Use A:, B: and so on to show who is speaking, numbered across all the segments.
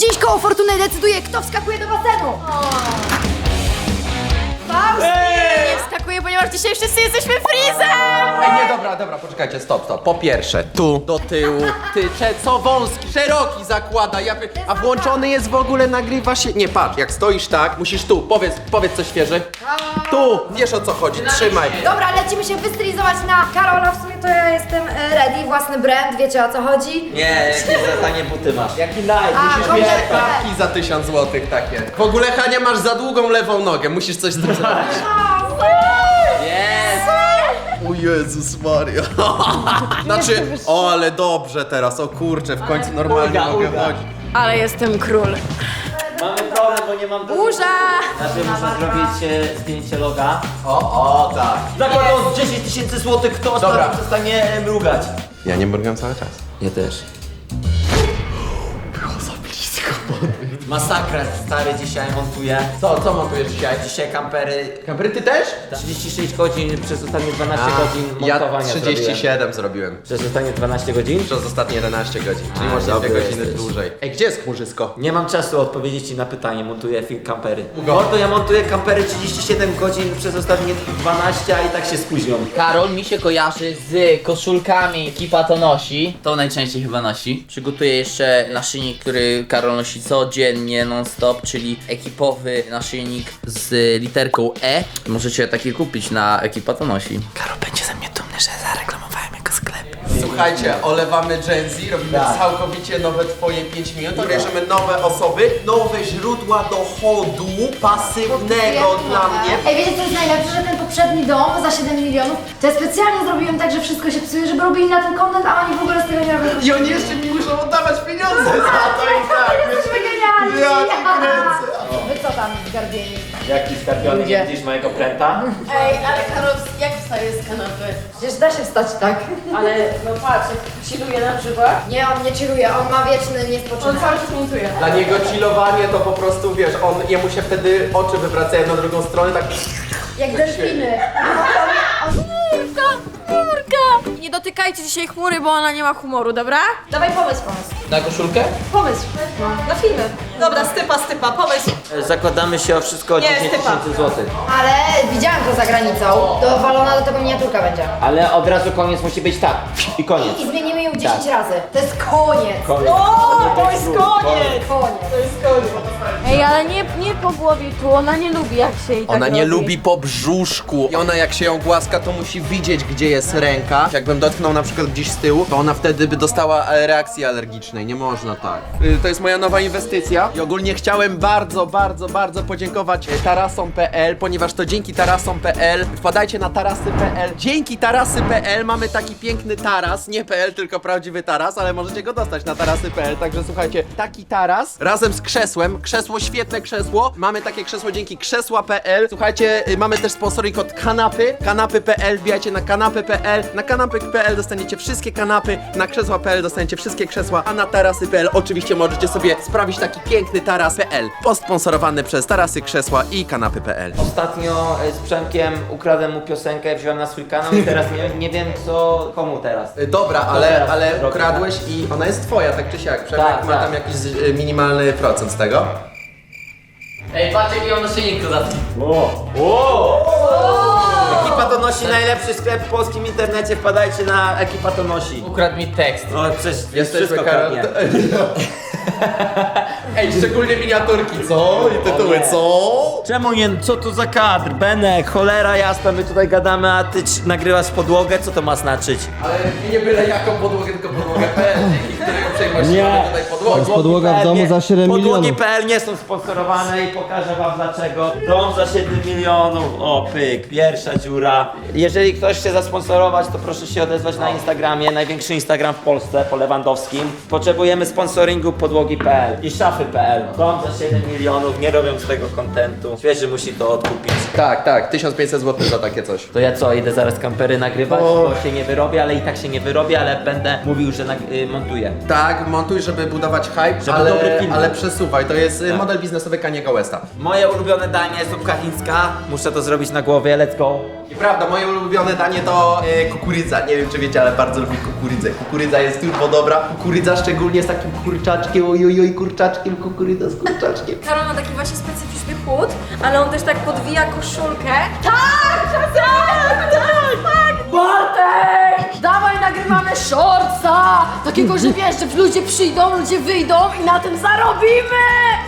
A: Dziś koło fortuny decyduje, kto wskakuje do basenu. Faust!
B: Nie wskakuję, ponieważ dzisiaj wszyscy jesteśmy Freezem!
C: Ej, nie, dobra, poczekajcie, stop. Po pierwsze, tu, do tyłu, co wąski, szeroki zakłada, a włączony jest w ogóle, nagrywa się... Nie, patrz, jak stoisz tak, musisz tu, powiedz coś świeże. Tu, wiesz o co chodzi, trzymaj.
A: Dobra, lecimy się wystylizować na Karola. W sumie to ja jestem ready, własny brand, wiecie o co chodzi?
D: Nie, jakie za tanie buty masz.
C: Jaki live, musisz mieć
A: kompletnie.
C: klapki za 1000 zł takie. W ogóle, Hania, masz za długą lewą nogę, musisz coś z tym zrobić.
D: Jest!
C: O Jezus Maria. Znaczy, o ale dobrze teraz, o kurczę, w końcu normalnie mogę chodzić.
B: Ale jestem król.
D: Mamy problem, bo nie mam
B: Burza!
D: Znaczy muszę zrobić zdjęcie loga.
C: O, tak.
D: Zakładam 10 000 złotych, kto
C: Dobra.
D: ostatnio przestanie mrugać.
C: Ja nie mrugam cały czas.
D: Ja też. Masakra, stary, dzisiaj montuję.
C: Co montujesz dzisiaj?
D: Dzisiaj kampery.
C: Kampery, ty też?
D: 36 godzin przez ostatnie 12 godzin
C: Ja
D: montowania
C: 37 zrobiłem.
D: Przez ostatnie 12 godzin?
C: Przez ostatnie 11 godzin, czyli
D: A,
C: może 2
D: dobry
C: godziny
D: jesteś.
C: dłużej. Ej, gdzie jest chmurzysko?
D: Nie mam czasu odpowiedzieć ci na pytanie, montuję film kampery.
C: Ugo.
D: Mordo, ja montuję kampery 37 godzin przez ostatnie 12, a i tak się spóźnią.
E: Karol mi się kojarzy z koszulkami, ekipa to nosi. To najczęściej chyba nosi. Przygotuję jeszcze naszyjnik, który Karol nosi codziennie, non-stop, czyli ekipowy naszyjnik z literką E. Możecie taki kupić na ekipa to nosi. Karol będzie ze mnie dumny, że zareklamowałem jego sklep.
C: Słuchajcie, olewamy Gen Z, robimy
D: Tak.
C: całkowicie nowe twoje 5 minut, bierzemy nowe osoby, nowe źródła dochodu pasywnego dla mnie.
A: Ej, wiecie co jest najlepsze, że ten poprzedni dom za 7 milionów, to ja specjalnie zrobiłem tak, że wszystko się psuje, żeby robili na ten content, a oni w ogóle z tego nie robią.
C: I oni jeszcze mi muszą oddawać pieniądze za to i tak.
A: Jesteśmy genialni!
C: Ja cię kręcę.
A: Wy co tam zgarbieni?
D: Jaki skarpiony, nie widzisz mojego pręta?
B: Ej, ale Karol, jak wstaje z kanapy?
A: Przecież da się wstać tak.
B: Ale no patrz, jak chilluje na przykład.
A: Nie, on nie chilluje, on ma wieczny
B: On
A: niespoczynek.
B: cały czas montuje.
C: Dla niego chillowanie to po prostu, wiesz, jemu się wtedy oczy wywracają na drugą stronę, tak...
A: Jak delfiny.
B: Chmurka! Nie dotykajcie dzisiaj chmury, bo ona nie ma humoru, dobra?
A: Dawaj pomysł.
E: Na koszulkę?
B: Pomysł. Na filmy. Dobra, stypa, pomysł.
D: Zakładamy się o wszystko o
B: Nie,
D: 10
B: stypa.
D: 000 złotych.
A: Ale widziałam to za granicą. Dowalona do tego miniaturka będzie.
D: Ale od razu koniec musi być tak. I koniec.
A: I zmienimy ją 10 razy. To jest koniec.
D: Koniec.
B: O, to jest koniec!
A: Koniec.
B: Ej, ale nie po głowie tu, ona nie lubi jak się jej tak
C: Ona nie
B: robi.
C: lubi po brzuszku. I ona jak się ją głaska, to musi widzieć, gdzie jest ręka. Jakbym dotknął na przykład gdzieś z tyłu, to ona wtedy by dostała reakcji alergicznej. Nie można tak. To jest moja nowa inwestycja. I ogólnie chciałem bardzo podziękować tarasom.pl, ponieważ to dzięki tarasom.pl, wpadajcie na tarasy.pl. Dzięki tarasy.pl mamy taki piękny taras, nie PL, tylko prawdziwy taras, ale możecie go dostać na tarasy.pl. Także słuchajcie, taki taras razem z krzesłem, świetne krzesło. Mamy takie krzesło dzięki krzesła.pl. Słuchajcie, mamy też sponsoring od kanapy, kanapy.pl, wbijajcie na kanapy.pl. Na kanapy.pl dostaniecie wszystkie kanapy, na krzesła.pl dostaniecie wszystkie krzesła, a na tarasy.pl oczywiście możecie sobie sprawić taki piękny taras.pl. Posponsorowany przez tarasy, krzesła i kanapy.pl.
D: Ostatnio z Przemkiem ukradłem mu piosenkę, wziąłem na swój kanał i teraz nie wiem co, komu teraz.
C: Dobra,
D: teraz
C: ale
D: robię,
C: ukradłeś i ona jest twoja, tak czy siak. Przemek
D: Tak,
C: ma
D: tak.
C: tam jakiś minimalny procent z tego.
E: Ej, patrz jaki on naszyjnik dodatki.
D: Ekipa to nosi najlepszy sklep w polskim internecie, wpadajcie na Ekipa to nosi.
E: Ukradł mi tekst.
D: No przecież
C: Jesteśmy
D: wszystko
C: Karol.
D: kradnie.
C: Ej, szczególnie miniaturki, co? I tytuły,
D: nie.
C: co?
D: Czemu nie? Co to za kadr? Benek, cholera jasna, my tutaj gadamy, a ty nagrywasz podłogę, co to ma znaczyć?
C: Ale nie byle jaką podłogę, tylko podłogę.pl, dzięki której uprzejmości mamy tutaj podłogę.
F: Podłoga w domu za 7 milionów.
D: Podłogi.pl nie są sponsorowane i pokażę wam dlaczego. Dom za 7 milionów, o pyk, pierwsza dziura. Jeżeli ktoś chce zasponsorować, to proszę się odezwać na Instagramie, największy Instagram w Polsce, po Lewandowskim. Potrzebujemy sponsoringu podłogi.pl i szafy.pl. Dom za 7 milionów, nie robią z tego kontentu. Świeży musi to odkupić.
C: Tak, 1500 zł za takie coś.
D: To ja co, idę zaraz kampery nagrywać, bo się nie wyrobię, ale i tak się nie wyrobię, ale będę mówił, że montuję.
C: Tak, Tak, montuj, żeby budować hype,
D: Żeby dobry film
C: ale
D: był.
C: przesuwaj, to jest
D: Tak.
C: model biznesowy Kaniego Westa.
D: Moje ulubione danie, zupka chińska. Muszę to zrobić na głowie, let's go.
C: I prawda, moje ulubione danie to kukurydza. Nie wiem czy wiecie, ale bardzo lubię kukurydzę. Kukurydza jest turbo dobra. Kukurydza szczególnie z takim kurczaczkiem, ojojoj, kurczaczkiem, kukurydza z kurczaczkiem.
B: Karol ma taki właśnie specyficzny chód, ale on też tak podwija koszulkę. Tak! Tak!
A: Bartek! Dawaj, nagrywamy shortsa! Takiego, że wiesz, że ludzie przyjdą, ludzie wyjdą i na tym zarobimy!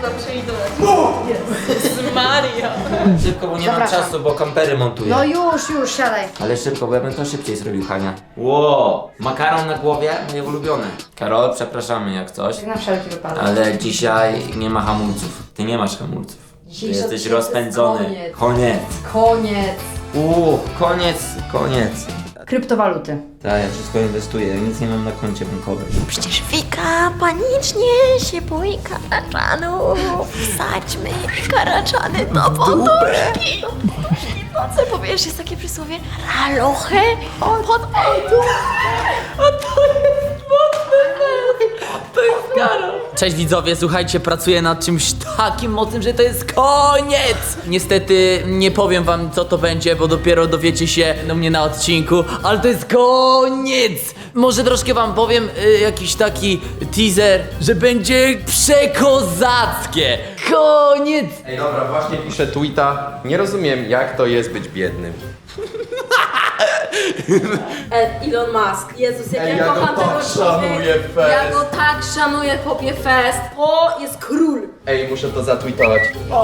D: Szybko, bo nie mam
A: Zapraszam.
D: czasu, bo kampery montuję.
A: No już, siadaj.
D: Ale szybko, bo ja bym to szybciej zrobił, Hania. Wow, makaron na głowie, moje ulubione. Karol, przepraszamy jak coś,
A: Na wszelki wypadek.
D: ale dzisiaj nie ma hamulców. Ty nie masz hamulców. Ty
A: Dzisiejszy
D: jesteś
A: odcinek
D: rozpędzony.
A: to jest
D: Koniec.
A: Koniec.
D: Koniec.
A: Kryptowaluty.
D: Tak, ja wszystko inwestuję, ja nic nie mam na koncie bankowym.
B: Przecież Wika panicznie się boi karaczanów. Wsadźmy karaczany do poduszki. Po co powiesz, jest takie przysłowie ralochę pod poduszkę. A to jest mocny mecz. To jest Karol.
E: Cześć widzowie, słuchajcie, pracuję nad czymś takim mocnym, że to jest koniec! Niestety nie powiem wam co to będzie, bo dopiero dowiecie się do mnie na odcinku, ale to jest koniec! Może troszkę wam powiem jakiś taki teaser, że będzie przekozackie! Koniec!
C: Ej dobra, właśnie piszę tweeta. Nie rozumiem jak to jest być biednym.
B: Elon Musk. Jezus, jak
C: Ej,
B: ja
C: ja go
B: kocham tego
C: tak szanuję,
B: człowieka. Ja
C: Fest.
B: go tak szanuję, popie fest. To jest król.
C: Ej, muszę to zatweetować.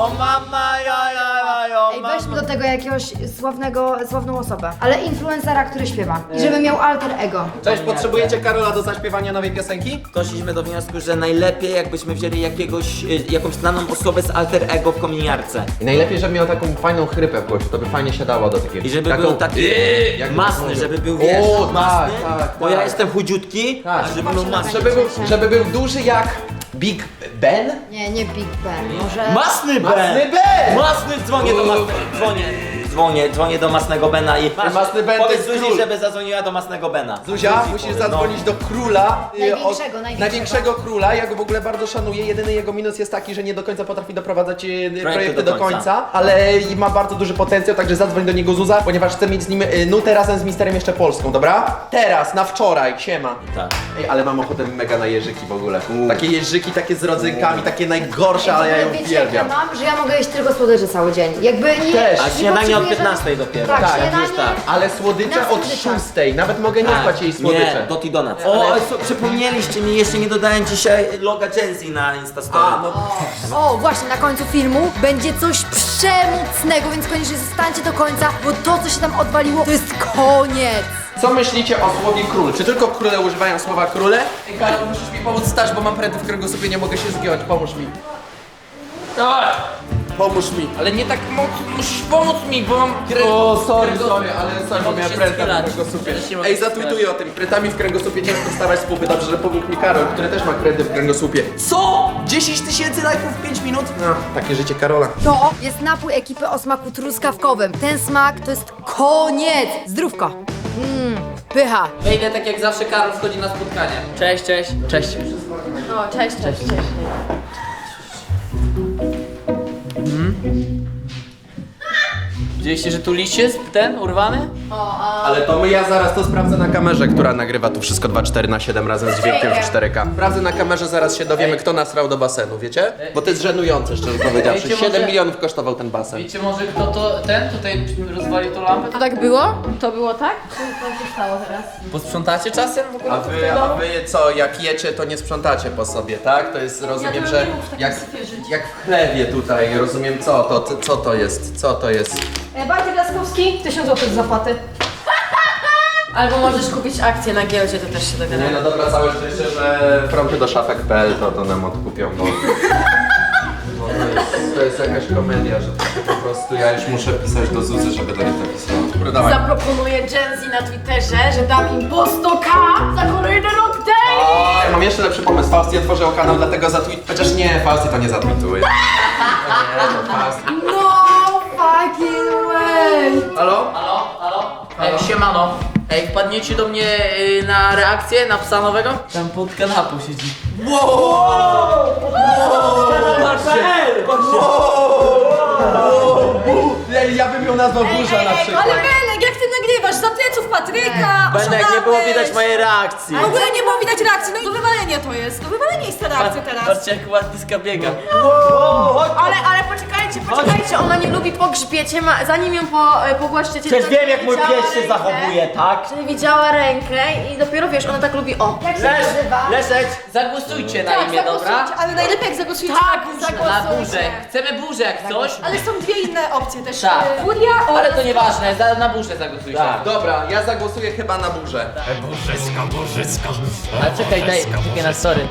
A: Ej, weźmy do tego jakiegoś sławną osobę, ale influencera, który śpiewa. I żeby miał alter ego.
C: Cześć, potrzebujecie Karola do zaśpiewania nowej piosenki?
D: Doszliśmy do wniosku, że najlepiej jakbyśmy wzięli jakąś znaną osobę z alter ego w kominiarce.
C: I najlepiej, żeby miał taką fajną chrypę w głosie, to by fajnie się dało do takiego.
D: I żeby
C: taką...
D: był taki
C: jakby
D: masny,
C: mówił.
D: żeby był, wiesz,
C: O,
D: masny,
C: tak,
D: bo ja
C: tak.
D: jestem chudziutki,
C: Tak.
D: a żeby był masny.
C: Żeby był duży jak Big Ben?
A: Nie Big Ben, może...
D: Masny Ben!
C: Masny Ben!
D: Masny, dzwonię do masnego, dzwonię do masnego Bena i
C: Masny Ben to
D: powiedz
C: jest
D: Zuzi,
C: król.
D: żeby zadzwoniła do masnego Bena.
C: Zuzia,
D: Zuzi
C: musisz
D: powiedz,
C: zadzwonić do króla.
A: Największego.
C: Króla. Ja go w ogóle bardzo szanuję. Jedyny jego minus jest taki, że nie do końca potrafi doprowadzać projekty do końca. Ale i ma bardzo duży potencjał, także zadzwoń do niego Zuza, ponieważ chcę mieć z nim nutę razem z Misterem jeszcze Polską, dobra? Teraz, na wczoraj, siema.
D: Tak.
C: Ej, ale mam ochotę mega na jeżyki w ogóle. Takie jeżyki, takie z rodzynkami, takie najgorsze, ale ja je
A: Wiecie jak ja
C: uwielbiam.
A: mam, że ja mogę jeść tylko słodycze cały dzień. Jakby nie...
C: Też.
D: A
A: nie
D: śniadanie od
A: potrzebuję
D: 15 dopiero.
A: Tak,
C: Tak,
A: śniadanie...
D: już tak.
C: Ale słodycze
A: Na
C: od
A: słodyczach.
C: 6, nawet mogę nie spać jej słodycze.
D: Nie, Doty Donuts. O, przypomnieliście mi, jeszcze nie dodałem dzisiaj loga Gen Z na Instastory.
A: O, właśnie, na końcu filmu będzie coś przemocnego, więc koniecznie zostańcie do końca, bo to, co się tam odwaliło, to jest koniec.
C: Co myślicie o słowie król? Czy tylko króle używają słowa króle? Ej, Karol, musisz mi pomóc stać, bo mam pręty w kręgosłupie, nie mogę się zgiąć. Pomóż mi. Pomóż mi.
E: Ale nie tak mocno, musisz pomóc mi, bo mam
C: O, sorry, bo
E: Mogę
C: miałem
E: się
C: pręta
E: schylać.
C: w kręgosłupie.
E: Też się mogę
C: Ej, zatweetuję o tym. Prętami w kręgosłupie ciężko wstawać z pupy. Dobrze, że pomógł mi Karol, który też ma pręty w kręgosłupie. Co? 10 000 lajków w 5 minut? No, takie życie Karola.
A: To jest napój ekipy o smaku truskawkowym. Ten smak to jest koniec. Zdrówko. Pycha.
E: Wejdę tak jak zawsze, Karol wchodzi na spotkanie. Cześć. Cześć.
B: O, cześć.
E: Widzieliście, że tu liść jest ten urwany?
C: Ale to ja zaraz to sprawdzę na kamerze, która nagrywa tu wszystko 2,4/7 razem z dźwiękiem w 4K. Sprawdzę na kamerze, zaraz się dowiemy, kto nasrał do basenu, wiecie? Bo to jest żenujące, szczerze powiedziawszy.
E: Wiecie,
C: 7
E: może-
C: milionów kosztował ten basen.
E: Wiecie może kto to ten tutaj rozwalił tą lampę?
B: To tak było? To było tak? Co się stało teraz?
E: Posprzątacie czasem w ogóle?
C: A wy co, jak jecie, to nie sprzątacie po sobie, tak? To jest, rozumiem, że jak w chlewie tutaj, rozumiem, co to jest?
B: Bartek Laskowski, 1000 zł z zapłaty. Albo możesz kupić akcje na giełdzie, to też się
C: Nie
B: dogadamy.
C: no dobra, całe szczęście, że fronty do szafek.pl to nam odkupią, bo to jest jakaś komedia, że po prostu ja już muszę pisać do Zuzy, żeby do niej to pisała. Dobra, dawaj.
B: Zaproponuję Gen Z na Twitterze, że dam im po 100k za kolejny rok day!
C: Ja mam jeszcze lepszy pomysł. Fausty otworzył kanał, dlatego Chociaż nie, Fausty to nie zatweetuje.
A: No fucking way.
C: Halo?
E: Halo? Siemano. Ej, wpadniecie do mnie na reakcję, na psa nowego? Tam pod kanapą siedzi.
C: Ja bym ją nazwał burza na przykład.
B: Ale Belek, jak ty nagrywasz za pleców Patryka,
D: Benek, nie było widać mojej reakcji.
B: W ogóle nie było widać reakcji, no i do wywalenia to jest. Do wywalenia jest ta reakcja teraz.
E: Patrzcie jak ładniska biega.
A: Ale poczekajcie, ona nie lubi po grzbiecie, zanim ją pogłaszczecie.
D: Przecież
A: to
D: wiem jak mój
A: widziała
D: pies się
A: rękę,
D: zachowuje, tak?
A: Czyli widziała rękę i dopiero wiesz, ona tak lubi, o. Jak się nazywa?
D: Leszek!
E: Zagłosujcie na imię, dobra?
B: Ale najlepiej jak zagłosujecie
E: Na burzę. Chcemy burzę jak coś.
B: Ale są dwie inne opcje też.
E: Tak.
B: Furia
E: Ale to nieważne, na burzę zagłosujcie.
D: Tak.
C: Dobra, ja zagłosuję chyba na burzę.
E: Ale czekaj, czekaj na sorry.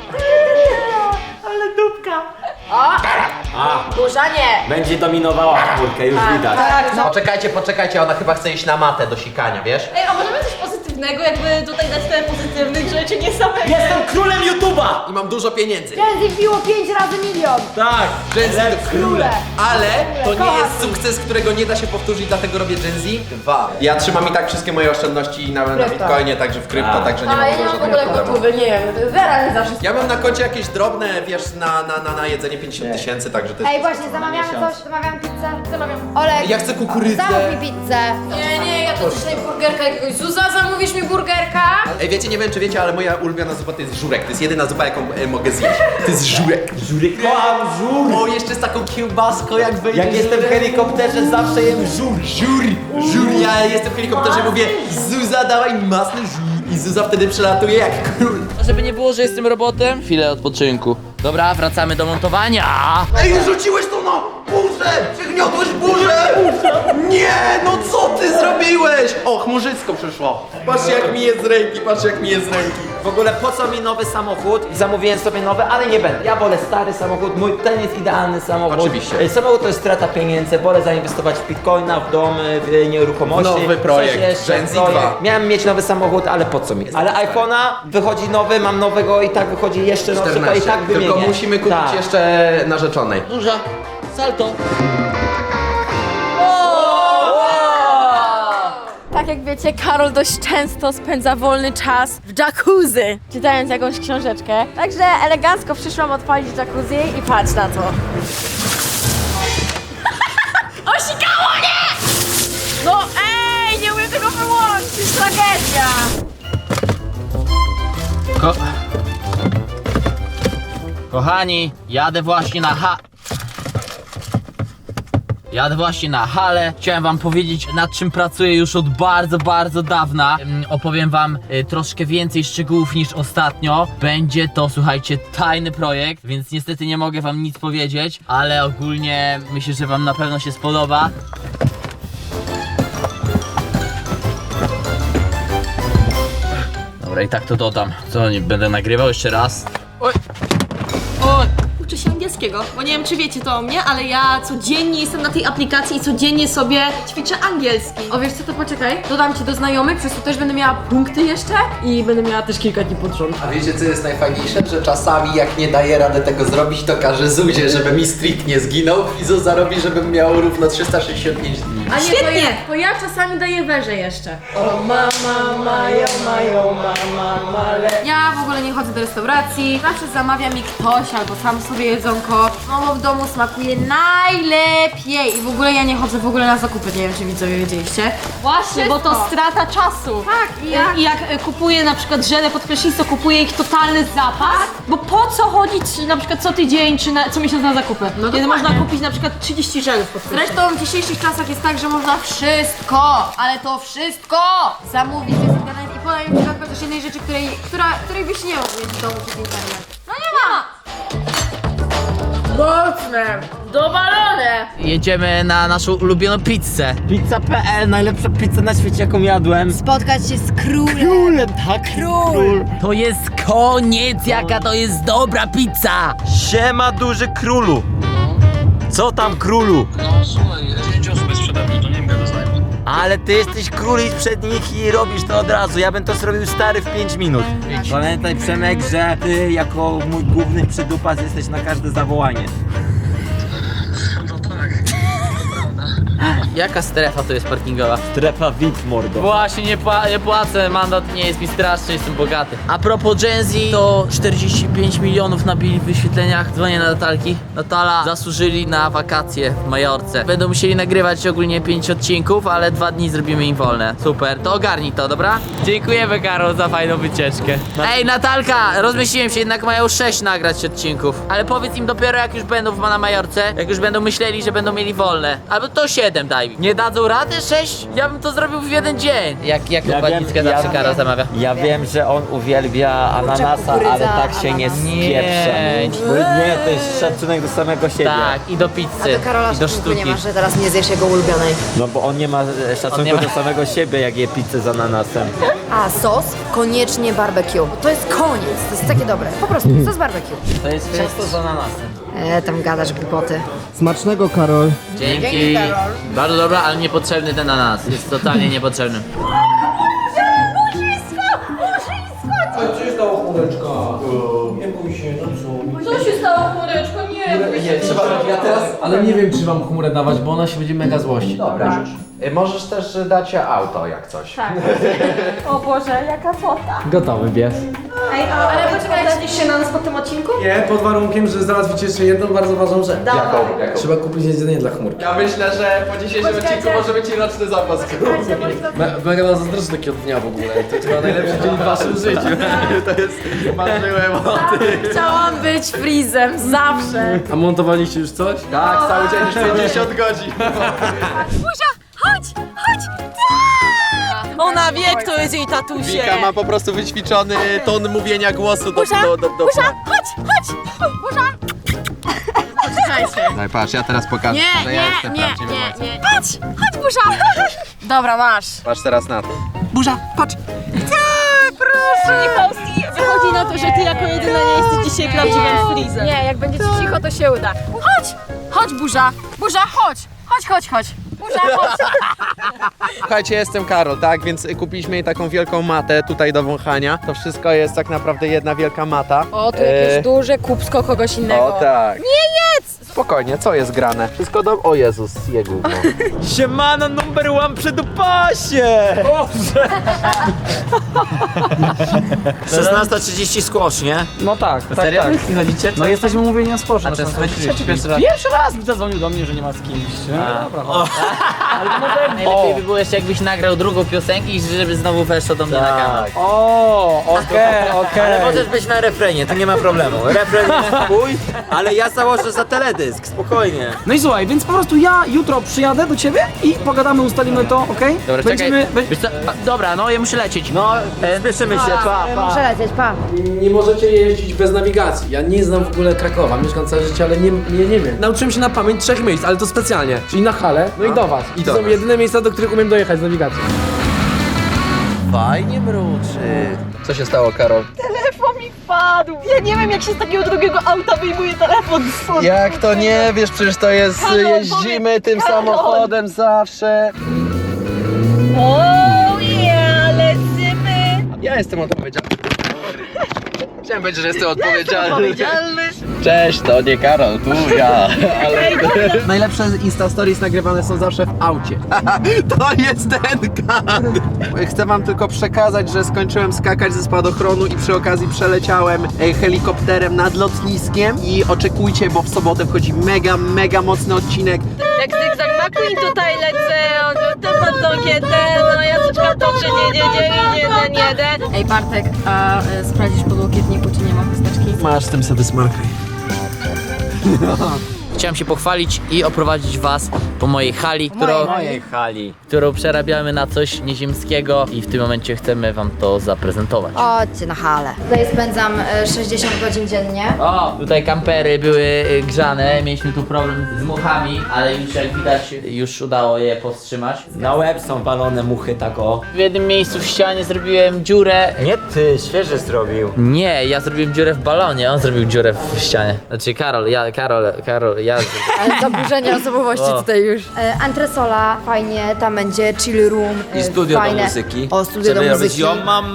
A: Burza nie.
D: Będzie dominowała czwórkę, już widać.
C: Poczekajcie, ona chyba chce iść na matę do sikania, wiesz?
B: Ej, a możemy coś pozytywnego, jakby tutaj dać tyle pozytywnych rzeczy, nie samego.
D: Jestem królem YouTube'a!
C: I mam dużo pieniędzy.
A: Gen Z wbiło 5 razy milion.
D: Tak!
C: Gen Z to króle. Ale to nie
A: Kocham
C: jest
A: ich.
C: sukces, którego nie da się powtórzyć, dlatego robię Gen Z 2. Ja trzymam i tak wszystkie moje oszczędności na Bitcoinie, także w krypto, także nie
A: A ja
C: mam
A: nie mam w
C: żadnego
A: ogóle
C: problemu.
A: gotówy, nie wiem, zera nie zawsze.
C: Ja mam na koncie jakieś drobne, wiesz, na jedzenie 50 000, także to jest...
A: Ej, właśnie, zamawiamy coś, zamawiam pizzę. Zamawiam. Olek,
C: Ja chcę kukurydzę.
A: zamów mi pizzę. Nie, ja tu dzisiaj burgerka jakiegoś. Zuza, zamówisz mi burgerka?
C: Ej, wiecie, nie wiem czy wiecie, ale moja ulubiona zupa to jest żurek. To jest jedyna zupa, jaką mogę zjeść. To jest żurek.
D: Żurek, kocham żur!
C: O, jeszcze z taką kiełbaską, jak wejdzie.
D: Jak jestem w helikopterze, zawsze jem żur!
C: Żur, ja jestem w helikopterze, mówię Zuza, dawaj masny żur. I Zuza wtedy przelatuje jak król.
E: Żeby nie było, że jestem robotem, chwilę odpoczynku. Dobra, wracamy do montowania.
C: Ej, rzuciłeś to na burzę! Przygniotłeś burzę! Nie, no co ty zrobiłeś? O, chmurzycko przyszło. Patrzcie jak mi jest z ręki, patrzcie jak mi jest z ręki.
D: W ogóle po co mi nowy samochód? Zamówiłem sobie nowy, ale nie będę. Ja wolę stary samochód, ten jest idealny samochód.
C: Oczywiście.
D: Samochód to jest strata pieniędzy, wolę zainwestować w bitcoina, w dom, w nieruchomości.
C: Nowy projekt,
D: Coś jeszcze,
C: Gen Z
D: projekt.
C: 2.
D: Miałem mieć nowy samochód, ale po co mi? Ale iPhone'a wychodzi nowy, mam nowego i tak wychodzi jeszcze nowszy, to i
C: 14.
D: tak wymienię.
C: Tylko musimy kupić
D: Tak.
C: jeszcze narzeczonej.
E: Duża, salto.
B: Tak jak wiecie, Karol dość często spędza wolny czas w jacuzzi, czytając jakąś książeczkę. Także elegancko przyszłam odpalić jacuzzi i patrz na to. Osikało mnie! No ej, nie umiem tego wyłączyć, tragedia!
E: Kochani, jadę właśnie na halę. Chciałem wam powiedzieć, nad czym pracuję już od bardzo dawna. Opowiem wam troszkę więcej szczegółów niż ostatnio. Będzie to, słuchajcie, tajny projekt, więc niestety nie mogę wam nic powiedzieć, ale ogólnie myślę, że wam na pewno się spodoba. Dobra, i tak to dodam. Co, nie będę nagrywał jeszcze raz? Oj! Oj!
G: Uczę się angielskiego, bo nie wiem czy wiecie to o mnie, ale ja codziennie jestem na tej aplikacji i codziennie sobie ćwiczę angielski.
A: O wiesz co, to poczekaj, dodam cię do znajomych, przez to też będę miała punkty jeszcze i będę miała też kilka dni pod rząd.
C: A wiecie co jest najfajniejsze? Że czasami jak nie daję rady tego zrobić, to każę Zuzie, żeby mi streak nie zginął i Zuza robi, żebym miał równo 365 dni.
A: A nie,
G: Świetnie!
A: to ja czasami daję węże jeszcze. Ja w ogóle nie chodzę do restauracji, zawsze zamawia mi ktoś albo sam sobie jedzonko. Mamo w domu smakuje najlepiej i w ogóle ja nie chodzę w ogóle na zakupy, nie wiem czy widzowie wiedzieliście.
G: Właśnie, bo to strata czasu.
A: Tak,
G: I jak kupuję na przykład żelę pod prysznic, to kupuję ich totalny zapas, bo po co chodzić na przykład co tydzień czy co miesiąc na zakupy? Kiedy
A: dokładnie.
G: można kupić na przykład 30 żelów pod prysznic.
A: Zresztą w dzisiejszych czasach jest tak, że można wszystko, ale to wszystko zamówić przez internet i podaj mi przykład chociaż jednej rzeczy, której byś nie mógł mieć w domu przez internet. No nie ma! Mocne! Dowalone!
E: Jedziemy na naszą ulubioną pizzę.
D: Pizza.pl, najlepsza pizza na świecie jaką jadłem.
A: Spotkać się z królem!
D: Królem, tak? Król!
E: To jest koniec, jaka to jest dobra pizza!
D: Siema duży królu! Co tam królu?
H: No słuchaj, 10 osób jest sprzedaży, to nie wiem, jak to znajdę.
D: Ale ty jesteś król i przed nich i robisz to od razu. Ja bym to zrobił stary w 5 minut. Pamiętaj Przemek, że ty jako mój główny przydupas jesteś na każde zawołanie.
H: No tak, to prawda.
E: Jaka strefa to jest parkingowa?
D: Strefa VIP, mordo.
E: Właśnie, nie płacę, mandat nie jest mi straszny, jestem bogaty. A propos Gen Z, to 45 milionów nabili w wyświetleniach. Dzwonię na Natalki. Natala, zasłużyli na wakacje w Majorce. Będą musieli nagrywać ogólnie 5 odcinków, ale 2 dni zrobimy im wolne. Super, to ogarnij to, dobra? Dziękujemy, Karol, za fajną wycieczkę. Ej, Natalka, rozmyśliłem się, jednak mają 6 nagrać odcinków. Ale powiedz im dopiero, jak już będą na Majorce, jak już będą myśleli, że będą mieli wolne. Albo to 7 daj mi. Nie dadzą rady 6? Ja bym to zrobił w jeden dzień. Jak układnickę zawsze Karol zamawia.
D: Ja wiem, że on uwielbia ananasa,
B: kukurydza,
D: ale tak się nie
B: ananas.
D: spieprze. Nie, to jest szacunek do samego siebie.
E: Tak, i do pizzy,
B: A do Karola
E: i do
B: szacunku nie
E: sztuki.
B: masz, że teraz nie zjesz jego ulubionej.
D: No bo on nie ma szacunku
E: nie ma.
D: do samego siebie, jak je pizzę z ananasem.
B: A sos? Koniecznie barbecue. To jest koniec, to jest takie dobre. Po prostu, sos barbecue.
E: To jest ciasto z ananasem.
B: Tam gadasz głupoty.
F: Smacznego, Karol.
E: Dzięki. Bardzo dobra, ale niepotrzebny ten ananas. Jest totalnie niepotrzebny.
G: Co się stało, chmureczko? Nie,
I: Ale nie wiem, czy wam chmurę dawać, bo ona się będzie mega złościć.
C: Dobra. Możesz też dać auto, jak coś.
G: O Boże, jaka fota.
I: Gotowy pies.
G: Ej, ale poczekaj, daliście się na nas po tym odcinku?
I: Nie, pod warunkiem, że załatwicie jeszcze jedną bardzo ważną rzecz.
C: Jaką?
I: Trzeba kupić jedzenie dla chmurki.
C: Ja myślę, że po dzisiejszym odcinku może być i roczny zapas.
I: Mega nam zazdroszczę takiego dnia w ogóle. To jest chyba najlepszy dzień w waszym życiu.
C: To jest... Marzyłem o tym.
B: Chciałam być frizem, zawsze.
I: A montowaliście już coś?
C: Tak, cały dzień już 50 godzin.
G: Ona wie, kto jest jej tatusie.
C: Wika ma po prostu wyćwiczony ton mówienia głosu do... Daj, patrz, ja teraz pokażę, że ja jestem prawdziwym ojcem.
B: Chodź, burza. Dobra, masz.
C: Patrz teraz na to.
G: Wychodzi na to, że ty jako jedyna nie jesteś dzisiaj prawdziwym frizem.
B: Nie, jak będziecie cicho, to się uda. Chodź, burza. Burza, chodź. Chodź. Burza, chodź.
C: Słuchajcie, jestem Karol, tak? Więc kupiliśmy jej taką wielką matę tutaj do wąchania. To wszystko jest tak naprawdę jedna wielka mata.
B: O, tu jakieś duże kubsko kogoś innego.
C: O tak. Nie jedz! Spokojnie, co jest grane? Wszystko do... O Jezus, je gówno.
D: Siemano, number one przy dupasie! 16:30 squash, nie?
J: No tak,
E: Serio?
J: tak.
E: Chodzicie?
J: No jesteśmy umówieni na sporze.
E: A
J: na
E: często
J: Sąsiedztwie.
E: chodzicie pierwszy raz?
J: Pierwszy raz mi zadzwonił do mnie, że nie ma z kimś. Dobra, chodź.
E: Najlepiej by było jeszcze jakbyś nagrał drugą piosenkę i żeby znowu weszło do mnie na kanał.
J: O, okej.
D: Ale możesz być na refrenie, to nie ma problemu. Refren jest twój, ale ja założę za teledysk, spokojnie.
J: No i słuchaj, więc po prostu ja jutro przyjadę do ciebie i pogadamy, ustalimy to, okej?
E: Dobra,
J: Będziemy...
E: czekaj. Wiesz co? Dobra, no ja muszę lecieć.
D: No, spieszymy się, pa.
B: Muszę lecieć, pa.
I: Nie możecie jeździć bez nawigacji. Ja nie znam w ogóle Krakowa, mieszkam całe życie, ale nie wiem. Nauczyłem się na pamięć 3 miejsc, ale to specjalnie. Czyli na Hale, no i do was. I to są jedyne miejsca, do których umiem dojechać z nawigacją.
C: Fajnie mruczy. Co się stało, Karol?
G: Telefon mi wpadł. Ja nie wiem, jak się z takiego drugiego auta wyjmuje telefon.
C: Jak to nie wiesz, przecież to jest... jeździmy tym samochodem zawsze.
G: O, ja lecimy.
C: Ja jestem odpowiedzialny. Chciałem powiedzieć, że jestem odpowiedzialny. Cześć, to nie Karol, tu ja. Ale... Najlepsze Insta Stories nagrywane są zawsze w aucie. To jest ten kan. Chcę wam tylko przekazać, że skończyłem skakać ze spadochronu i przy okazji przeleciałem helikopterem nad lotniskiem i oczekujcie, bo w sobotę wchodzi mega mocny odcinek.
G: Jak zygzak McQueen tutaj lecę, on to pod tą kietę, no ja czekam to, że nie.
B: Ej, Bartek, a sprawdzisz po łokietniku, czy nie ma chusteczki?
C: Masz tym sobie smarkaj.
E: Chciałem się pochwalić i oprowadzić was po mojej hali,
D: Mojej hali.
E: którą przerabiamy na coś nieziemskiego i w tym momencie chcemy wam to zaprezentować.
B: Chodźcie na halę. Tutaj spędzam 60 godzin dziennie.
E: O, tutaj kampery były grzane, mieliśmy tu problem z muchami, ale już jak widać, już udało je powstrzymać.
D: Na łeb są walone muchy, tak o.
E: W jednym miejscu w ścianie zrobiłem dziurę.
D: Nie ty, świeże zrobił.
E: Nie, ja zrobiłem dziurę w balonie, on zrobił dziurę w ścianie. Znaczy Karol,
D: Ja...
B: Ale zaburzenia osobowości tutaj już. Antresola, fajnie, tam będzie chill room.
D: I studio
B: fajne.
D: do muzyki.
B: O, studio do
D: Żeby robić
B: muzyki.
D: yo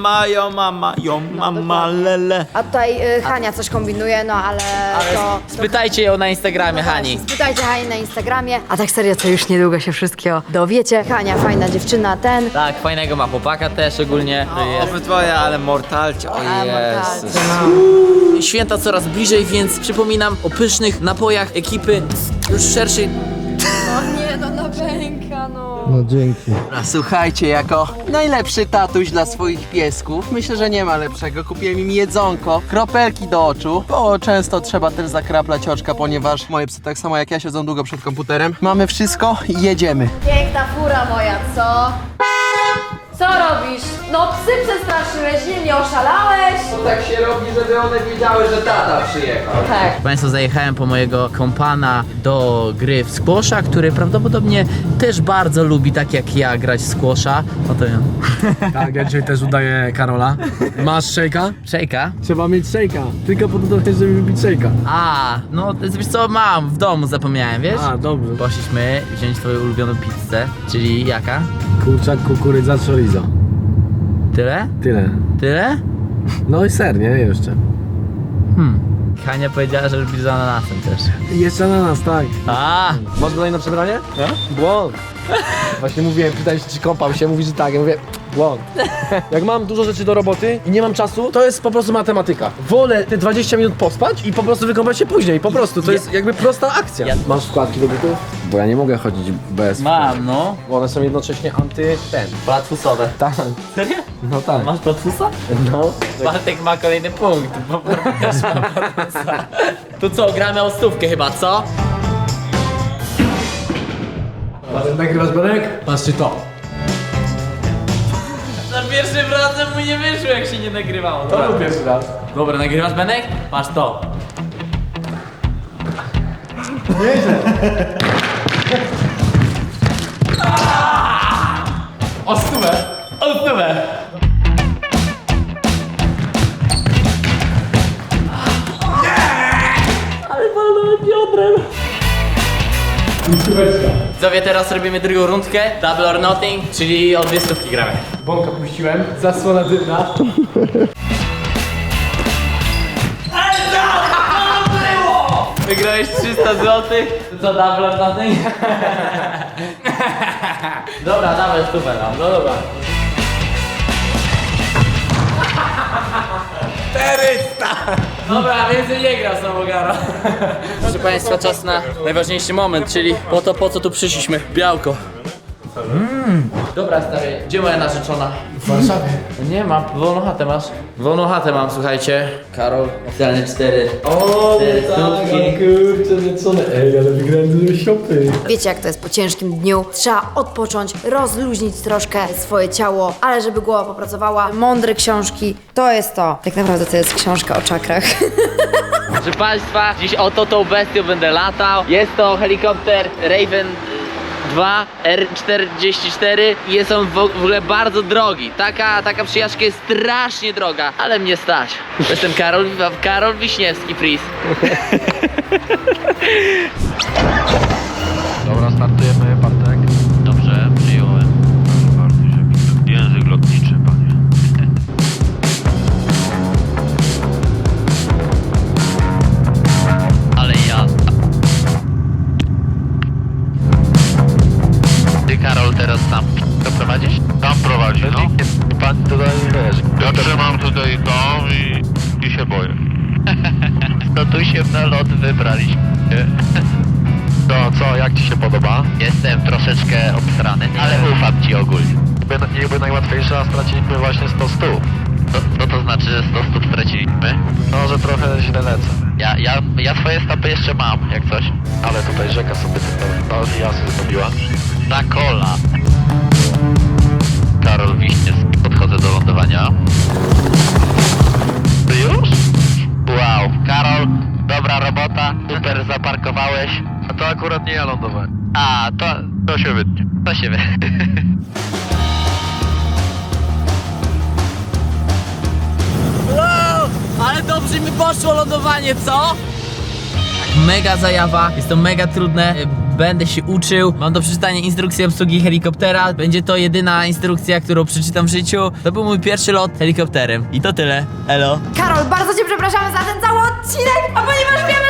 D: mama, lele.
B: A tutaj Hania coś kombinuje, no ale to...
E: Spytajcie ją na Instagramie, Hani.
B: Spytajcie Hani na Instagramie. A tak serio, to już niedługo się wszystkiego dowiecie. Hania, fajna dziewczyna, ten.
E: Tak, fajnego ma chłopaka też ogólnie.
D: Obydwoje, ale mortalcie, o
B: mortalcie,
D: Jezus.
E: Święta coraz bliżej, więc przypominam o pysznych napojach ekipy już szerszej.
B: Nie, no na pęka, no.
F: No dzięki.
C: A słuchajcie, jako najlepszy tatuś dla swoich piesków, myślę, że nie ma lepszego. Kupiłem im jedzonko, kropelki do oczu, bo często trzeba też zakraplać oczka, ponieważ moje psy tak samo jak ja siedzą długo przed komputerem. Mamy wszystko i jedziemy.
B: Piękna fura moja, co? Co robisz? No psy przestraszyłeś, nie oszalałeś?
C: Tak się robi, żeby one wiedziały, że tata przyjechał.
B: Tak.
E: Państwo, zajechałem po mojego kompana do gry w squasha, który prawdopodobnie też bardzo lubi, tak jak ja, grać w squasha. No to ja.
I: Tak, ja dzisiaj też udaję Karola. Masz szejka?
E: Szejka?
I: Trzeba mieć szejka. Tylko po to, żeby wypić szejka.
E: A, no wiesz co, mam w domu, zapomniałem, wiesz?
I: A, dobrze.
E: Poszliśmy wziąć twoją ulubioną pizzę, czyli jaka?
I: Kurczak, kukurydza, chorizo.
E: Tyle?
I: Tyle.
E: Tyle?
I: No i ser, nie? Jeszcze.
E: Hania powiedziała, że lubi z ananasem też.
I: Jeszcze ananas, tak.
E: A,
I: Masz go na przebranie? No. Błąd. Właśnie mówiłem, pytałem się, czy kąpał się, mówi, że tak. Ja mówię, błąd. Jak mam dużo rzeczy do roboty i nie mam czasu, to jest po prostu matematyka. Wolę te 20 minut pospać i po prostu wykąpać się później. Po prostu, to jest jakby prosta akcja. Masz wkładki do butów? Bo ja nie mogę chodzić bez...
E: mam, no.
I: Bo one są jednocześnie
E: Platfusowe.
I: Tak.
E: Serio?
I: No tak.
E: Masz platfusa?
I: No.
E: Bartek ma kolejny punkt, bo Bartek też ma platfusa. To co, gramy o stówkę chyba, co?
I: Nagrywasz Benek? Patrzcie to.
E: Za pierwszym razem mu nie wyszło, jak się nie nagrywało.
I: To był pierwszy raz.
E: Dobra, nagrywasz, Benek? Patrz to.
I: O stówę.
E: O stówę! Widzowie, teraz robimy drugą rundkę, double or nothing, czyli o 2 stówki gramy.
I: Bąka puściłem. Zasłona dymna.
E: Wygrałeś 300 zł. To co, double or nothing? Dobra, dawaj stówę nam, no dobra. 400! Dobra, więcej nie gra samogara. Proszę Państwa, czas na najważniejszy moment, czyli po co tu przyszliśmy. Białko. Dobra stary, gdzie moja narzeczona?
I: W Warszawie.
E: Nie mam, wolną chatę masz? Wolną chatę mam, słuchajcie. Karol, oficjalnie 4.
I: O,
E: Cztery
I: tak,
E: stówki.
I: kurczę, lecone. Ej, ale wygrałem dużo siopy.
B: Wiecie jak to jest po ciężkim dniu. Trzeba odpocząć, rozluźnić troszkę swoje ciało, ale żeby głowa popracowała. Mądre książki, to jest to. Tak naprawdę to jest książka o czakrach.
E: Proszę Państwa, dziś oto tą bestią będę latał. Jest to helikopter Raven 2 R44 i jest on w ogóle bardzo drogi. Taka przyjażdżka jest strasznie droga, ale mnie stać. Jestem Karol Wiśniewski, please.
H: Dobra, startujemy, Bartek.
E: Dobrze, przyjąłem.
H: Proszę bardzo, żeby język lotniczy, panie.
E: Ale jazda. Ty, Karol, teraz tam to prowadzisz?
H: Tam prowadzi, no.
E: Pan tutaj wiesz.
H: Ja trzymam tutaj to i się boję.
E: No tu się na lot wybraliśmy.
H: To co, jak ci się podoba?
E: Jestem troszeczkę obstrany, ale ufam ci ogólnie.
H: Niby najłatwiejsze, a straciliśmy właśnie 100 stóp.
E: No to znaczy, że 100 stóp straciliśmy.
H: No, że trochę źle lecę.
E: Ja swoje stopy jeszcze mam, jak coś.
H: Ale tutaj rzeka sobie no ja sobie zrobiła.
E: Na kola. Karol Wiśniewski, podchodzę do lądowania.
H: Ty już?
E: Wow, Karol, dobra robota, super zaparkowałeś.
H: A to akurat nie ja lądowałem.
E: A,
H: To się wytnie.
E: to się wie. Wow, ale dobrze mi poszło lądowanie, co? mega zajawa, jest to mega trudne. Będę się uczył, mam do przeczytania instrukcję obsługi helikoptera. Będzie to jedyna instrukcja, którą przeczytam w życiu. To był mój pierwszy lot helikopterem. I to tyle. Elo.
A: Karol, bardzo cię przepraszamy za ten cały odcinek, a ponieważ wiemy,